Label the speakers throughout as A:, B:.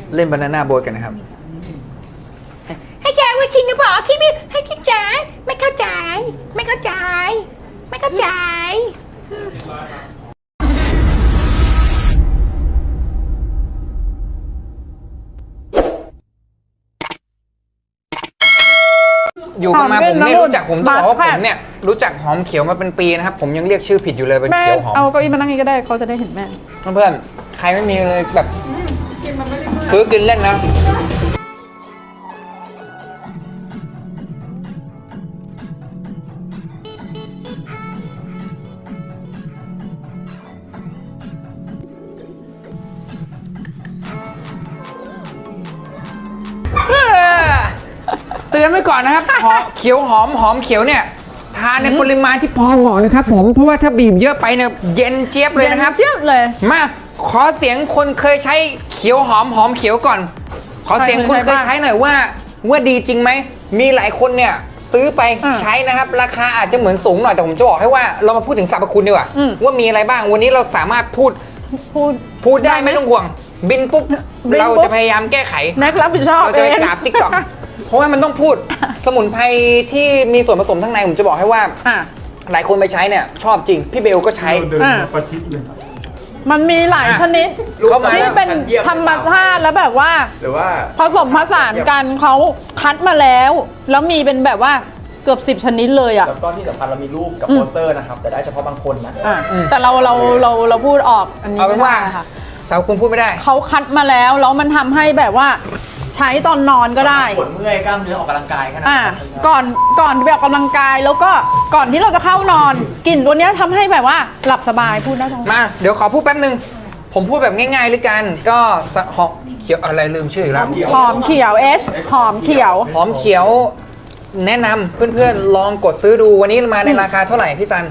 A: เล่นบานาน่าโบ๊ทกันนะครับ
B: ให้แกว่าชิงกระบอกที่ไม่ให้พี่จ๋าไม่เข้าใจไม่เข้าใจไม่เข้าใจ
A: อยู่กันมาผมไม่รู้จักผมต้องบอกว่าผมเนี่ยรู้จักหอมเขียวมาเป็นปีนะครับผมยังเรียกชื่อผิดอยู่เลยเป็นเขียวหอม
C: เอาเก้าอี้มานั่งนี้ก็ได้เขาจะได้เห็นแม่
A: เพื่อนๆใครไม่มีเลยแบบซื้อกินเล่นนะเตือนไว้ก่อนนะครับเขียวหอมเขียวเนี่ยทานในปริมาณที่พอเหมาะนะครับผมเพราะว่าถ้าบีบเยอะไปเนี่ยเย็นเจี๊ยบเลยนะครับ
C: เจี๊ยบเลย
A: มาขอเสียงคนเคยใช้เขียวหอมเขียวก่อนขอเสียงคนเคยใช้หน่อยว่าดีจริงไหมมีหลายคนเนี่ยซื้อไปใช้นะครับราคาอาจจะเหมือนสูงหน่อยแต่ผมจะบอกให้ว่าเรามาพูดถึงสรรพคุณดีกว่าว่ามีอะไรบ้างวันนี้เราสามารถพูดได้ไม่ต้องห่วงบินปุ๊บเราจะพยายามแก้ไข
C: นักรับผิดชอบ
A: เราจะไปกราบติ๊กต็อกเพราะว่ามันต้องพูดสมุนไพรที่มีส่วนผสมทั้งในผมจะบอกให้ว่าหลายคนไปใช้เนี่ยชอบจริงพี่เบลก็ใช้
D: ประชิดเลย
C: มันมีหลายชนิดที่เป็นธรรมชาติแล้วแบบว่า
D: หรือว่า
C: ผสมผสานกันเขาคัดมาแล้วมีเป็นแบบว่าเกือบ10ชนิดเลยอ่ะ
D: แล้วก็ที่สำคัญเรามีรูปกับโปสเตอร์นะครับแต่ได้เฉพาะบางคนนะ
C: แต่เราพูดออกอันนี้
A: เอาเป็นว่าสาวคุณพูดไม่ได้
C: เขาคัดมาแล้วมันทำให้แบบว่าใช้ตอนนอนก็ได้
D: ปวดเมื่อยกล้ามเนื้อออกกำลังกายขนาด
C: ก่อนไปออกกำลังกายแล้วก็ก่อนที่เราจะเข้านอนกลิ่นตัวนี้ทำให้แบบว่าหลับสบายพูดได้ทั้ง
A: มาเดี๋ยวขอพูดแป๊บนึงผมพูดแบบง่ายๆเลยกันก็หอมเขียวอะไรลืมชื่ออีกแล้ว
C: หอมเขียวหอมเขียว
A: แนะนำเพื่อนๆลองกดซื้อดูวันนี้มาในราคาเท่าไหร่พี่ซัน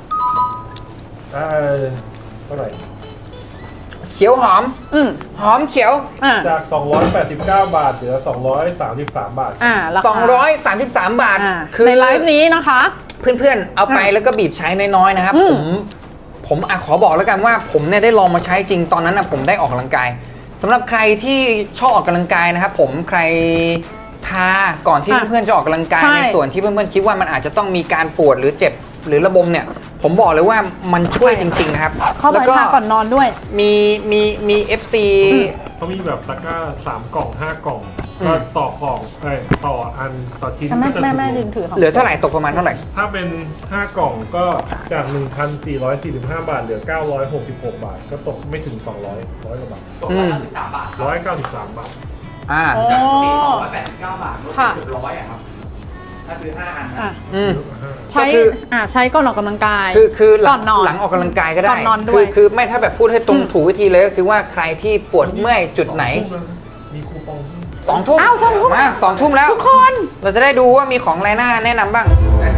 D: เท่าไหร่
A: เขียวหอมเขียว
D: จาก289 บาทเหลือ233 บาท
A: 233 บาท
C: คือในไลฟ์นี้นะคะ
A: เพื่อนๆเอาไปแล้วก็บีบใช้น้อยๆนะครับผมขอบอกแล้วกันว่าผมเนี่ยได้ลองมาใช้จริงตอนนั้นนะผมได้ออกกำลังกายสำหรับใครที่ชอบออกกำลังกายนะครับผมใครทาก่อนที่เพื่อนๆจะออกกำลังกายในส่วนที่เพื่อนๆคิดว่ามันอาจจะต้องมีการปวดหรือเจ็บหรือระบมเนี่ยผมบอกเลยว่ามันช่วยจริงๆนะครับ
C: แล้วก็ก่อนนอนด้วย
A: มี FC
D: เขามีแบบตะกร้า3 กล่อง 5 กล่องก็ต่อกล่องต่ออันต่อชิ้นก็จะ
A: เหลือเท่าไหร่ตกประมาณเท่าไหร่
D: ถ้าเป็น5 กล่องก็จาก 1,445 บาทเหลือ966 บาทก็ตกไม่ถึง200 100 กว่าบาทตก193 บาท193 บาท
A: จาก
D: 289 บาทลดเกือบ100ครับถ้าซื้อ5 อัน
C: ใช้ก่อนออกกำลังกาย
A: คือหลังออกกำลังกายก็ได้คือไม่ถ้าแบบพูดให้ตรงถูกวิธีเลยก็คือว่าใครที่ปวดเมื่อยจุดไหน
D: มีคูปอง
A: 2 ทุ่มมา2 ทุ่มแล้วทุกคนเราจะได้ดูว่ามีของอะไรน่าแนะนำบ้าง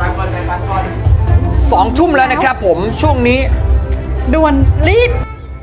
A: 2 ทุ่มแล้วนะครับผมช่วงนี้
C: ด่วนรีบ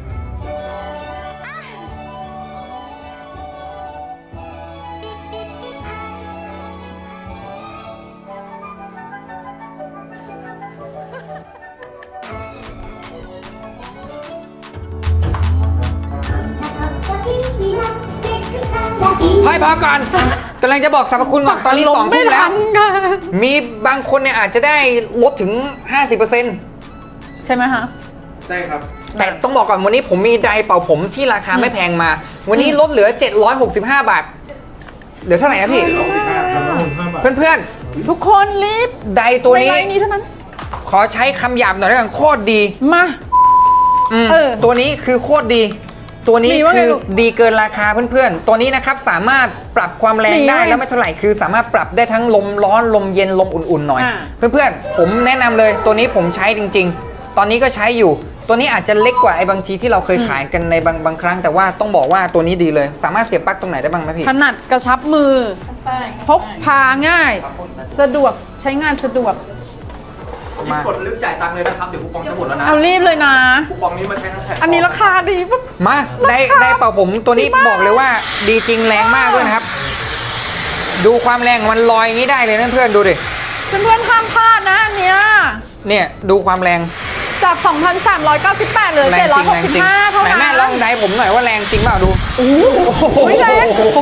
A: ให้พอก่อนกำลังจะบอกสรรพคุณก่อนตอนนี้2 ทุ่มแล้วมีบางคนเนี่ยอาจจะได้ลดถึง 50%
C: ใช่ไหมคะ
D: ใช่ครับ
A: แต่ต้องบอกก่อนวันนี้ผมมีไดร์เป่าผมที่ราคาไม่แพงมาวันนี้ลดเหลือ765 บาทเหลือเท่าไหร่นะพี่เพื่อน
C: ๆทุกคนรีบ
A: ไดร์ตัวนี้
C: เท่านั้น
A: ขอใช้คำหยาบหน่อยแล้วกันโคตรดี
C: มา
A: ตัวนี้คือโคตรดีตัวนี้คือดีเกินราคาเพื่อนๆตัวนี้นะครับสามารถปรับความแรงได้แล้วไม่เท่าไหร่คือสามารถปรับได้ทั้งลมร้อนลมเย็นลมอุ่นๆหน่อยเพื่อนๆผมแนะนำเลยตัวนี้ผมใช้จริงๆตอนนี้ก็ใช้อยู่ตัวนี้อาจจะเล็กกว่าไอ้บางทีที่เราเคยขายกันในบางครั้งแต่ว่าต้องบอกว่าตัวนี้ดีเลยสามารถเสียบปลั๊กตรงไหนได้บ้างไหมพี่
C: ถนัดกระชับมือพกพาง่ายสะดวกใช้งานสะดวก
D: กดรีบจ่ายตังค์เลยนะครับเดี๋ยวคูปองจะหมดแล้วนะ
C: เอารีบเลยนะ
D: คูปองนี้มาใช้ทั้งแผ่น
C: อันนี้ราคาดีปุ๊บ
A: มาได้เป่าผมตัวนี้บอกเลยว่าดีจริงแรงมากด้วยนะครับดูความแรงมันลอยอย่างนี้ได้เลยนะเพื่อนดูดิ
C: เพื่อนห้ามพลาดนะอันเนี้ย
A: ดูความแรง
C: จาก 2,398เหลือ
A: แรงจริงแรงจริง
C: 765เท่า
A: ไหน
C: นั้น
A: แม่ลองได้ผมหน่อยว่าแรงจริงเปล่าดู
C: โอ้โหแรง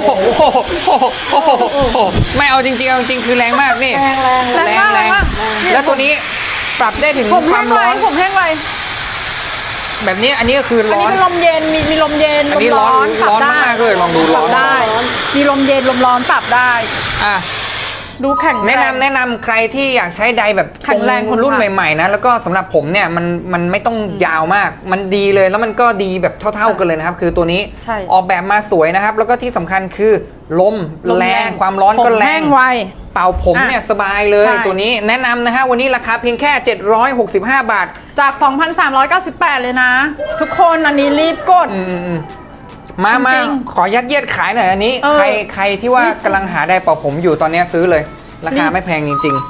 A: ไม่เอาจริงๆเอาจริงคือแรงมากนี่
C: แรงมากแรงมาก
A: แล้วตัวนี้ปรับได้ถึง
C: ผม
A: ค
C: แห้
A: วาม
C: งไว
A: ร้อน
C: ผมแห้งไว
A: แบบนี้อันนี้ก็คือ
C: อัน
A: ร้อ
C: นี้
A: น
C: เป็นลมเย็นมีลมเย็น
A: อันนี้
C: ลมร้อน
A: ร้อน
C: ปรับได้
A: มากๆเลยลองดู
C: ป
A: ร้
C: รั
A: อบ น
C: ได้ มีลมเย็นลมร้อนปรับได้
A: อ่ะ
C: ดูแข็ง
A: แนะ
C: รง
A: ำแนะนำใครที่อยากใช้ไดร์แบบ
C: แข็งแรง
A: รุ่นใหม่ๆนะแล้วก็สำหรับผมเนี่ยมันไม่ต้องยาวมาก มันดีเลยแล้วมันก็ดีแบบเท่าๆกันเลยนะครับ คือตัวนี้
C: ใช่
A: ออกแบบมาสวยนะครับ แล้วก็ที่สำคัญคือลม
C: ลม
A: แรงความร้อนก็
C: ผม
A: แร
C: แห้
A: ง
C: งไว
A: เป่าผมเนี่ยสบายเลย
C: ใช่
A: ตัวนี้แนะนำนะฮะวันนี้ราคาเพียงแค่ 765 บาท
C: จาก 2,398 เลยนะ ทุกคนอันนี้รีบกด
A: มา
C: จริง
A: ขอยัดเยียดขายหน่อยอันนี้
C: เออ
A: ใครที่ว่ากำลังหาไดร์เป่าผมอยู่ตอนนี้ซื้อเลย ราคาไม่แพงจริง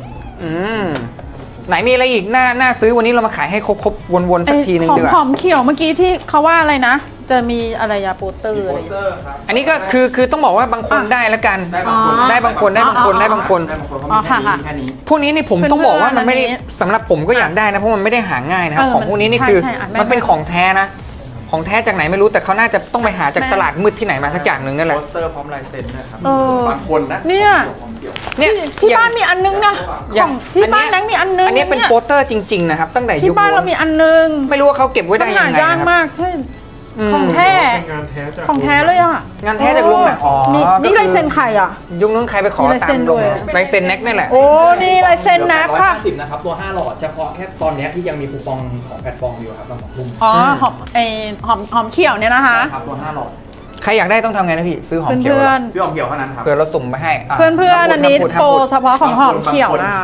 A: ๆไหนมีอะไรอีกน่าซื้อวันนี้เรามาขายให้ครบๆวนๆสักทีนึงดีกว่า
C: หอมเขียวเมื่อกี้ที่เขาว่าอะไรนะ จะมีอะไรยาโปสเตอร์อะไร
A: อันนี้ก็คือต้องบอกว่าบางคนได้แล้วกัน ได้บางคนได้บางคนได้บางคน
C: อ๋อค่ะค่ะ
A: พวกนี้นี่ผมต้องบอกว่ามันไม่ได้
C: เพื่อนๆ
A: สำหรับผมก็อยากได้นะเพราะมันไม่ได้หาง่ายนะครับ ของพวกนี้นี่
C: ใช่
A: คือ
C: ใช่อ่ะแม่
A: มันเป็นของแท้นะ ของแท้จากไหนไม่รู้แต่เขาน่าจะต้องไปหาจากตลาดมืดที่ไหนมาสักอย่างหนึ่งนั่นแหละ
E: โปสเตอร์พร้อมลายเซ็นนะครับ
C: เออ
E: บางคนนะ
C: เนี่ย
A: เนี่ย
C: ที่
A: อย่ง
C: บ้านมีอันนึงนะ
A: อ
C: ข
A: ย่า
C: อง งที่บ้านแนังมีอันนึง
A: อันนี้เป็น
C: ย
A: โปสเตอร์จริงๆนะครับตั้งแต่ยุ
C: ที่
A: ค
C: บ้านเรามีอันนึง
A: ไม่รู้ว่าเขาเก็บไว้ได้
C: มัน
A: ยั
C: หาง
A: ไง
C: ยาก
A: นะครับ
C: มากใช่
A: อืม
C: ของแท้
D: เป็นงานแท้จาก
C: ของแท้เลยอ่ะ
A: งานแท้จากลุงน่ะอ๋อ
C: นี่ลายเซ็นใครอ่ะ
A: ยุคนู้นใครไปขอ
C: มีลาย
A: ตา
C: เซ็
A: ม
C: น
A: ล
C: ด้
A: ง
C: วย
A: ลายเซ็นแน็กนี่แหละ
C: โอ้นี่ลายเซ็นนะค่ะ
E: 150นะครับ ตัว 5 หลอด เฉพาะแค่ตอนเนี้ยที่ยังมีคูปองของแพลตฟอร์มอยู่ครับตั้ง2 ทุ่ม
C: อ๋อหอมเขียวเนี่ยนะคะ
E: ครับตัว 5 หลอด
A: ใครอยากได้ต้องทำไงนะพี่ซื้อหอมเขียว
C: เพื่อน
E: ซื้อหอมเขียวเท่านั้นครับ
A: เผื่อเราสุ่มไปให้
C: เพื่อนเพื่อนอันนี้
A: ห้ามพูด
C: โปร
A: ห้ามพูด
C: เฉพาะของหอมเขียวนะคะ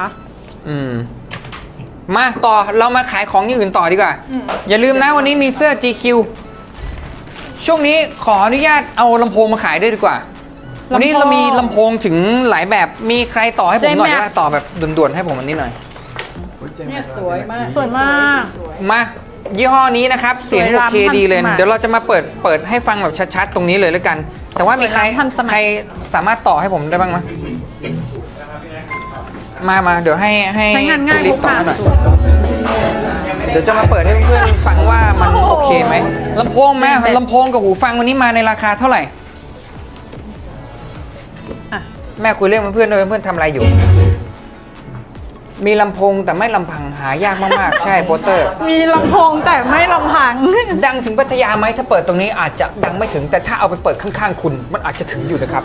A: มาต่อเรามาขายของอย่างอื่นต่อดีกว่า อย่าลืมนะวันนี้มีเสื้อ GQ ช่วงนี้ขออนุญาตเอาลำโพงมาขายด้วยดีกว่า วันนี้เรามีลำโพงถึงหลายแบบมีใครต่อให้ผมหน่อยได้ไหมต่อแบบด่วนๆให้ผมอันนี้หน่อย
E: เนี่ยสวยมาก
C: สวยมาก
A: มายี่ห้อนี้นะครับ เสียง
C: สวย
A: โอ
C: ล้ำ
A: เคดีเลย
C: ทันสมัย
A: เดี๋ยวเราจะมาเปิดให้ฟังแบบชัดๆตรงนี้เลยแล้วกัน แต่ว่ามีใคร
C: สวยล้ำทันสมัย
A: ใครสามารถต่อให้ผมได้บ้างไหมมาเดี๋ยวให้
C: ใช้งานง่าย
A: ลิ
C: พ
A: ฟ
C: ก
A: ต่อ
C: พา
A: ให้หน่อยเดี๋ยวจะมาเปิดให้เพื่อนๆฟังว่ามันโอเคไหมลำโพงแม่ลำโพงกับหูฟังวันนี้มาในราคาเท่าไหร่
C: อ่ะ
A: แม่คุยเรื่องเพื่อนๆด้วยเพื่อนๆทำอะไรอยู่ มีลำโพงแต่ไม่ลำพังหายากมากๆ ใช่โปสเตอร์
C: มีลำโพงแต่ไม่ลำพัง
A: ดังถึงพัทยาไหมถ้าเปิดตรงนี้อาจจะดังไม่ถึง แต่ถ้าเอาไปเปิดข้างๆคุณ มันอาจจะถึงอยู่นะครับ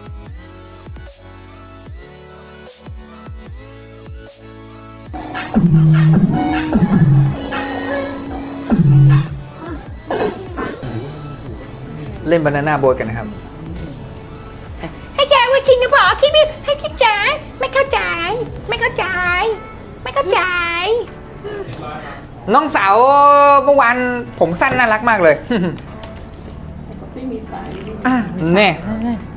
A: เล่นบานาน่าโบ๊ทกันนะครับ
B: ให้แกว่าจริงหรือเปล่าคิดไม่ให้พี่จ๋าไม่เข้าใจ ไม่เข้าใจ ไม่เข้าใจ
A: น้องสาวเมื่อวานผมสั้นน่ารักมากเลย
C: อ่ะ
A: เนี่ย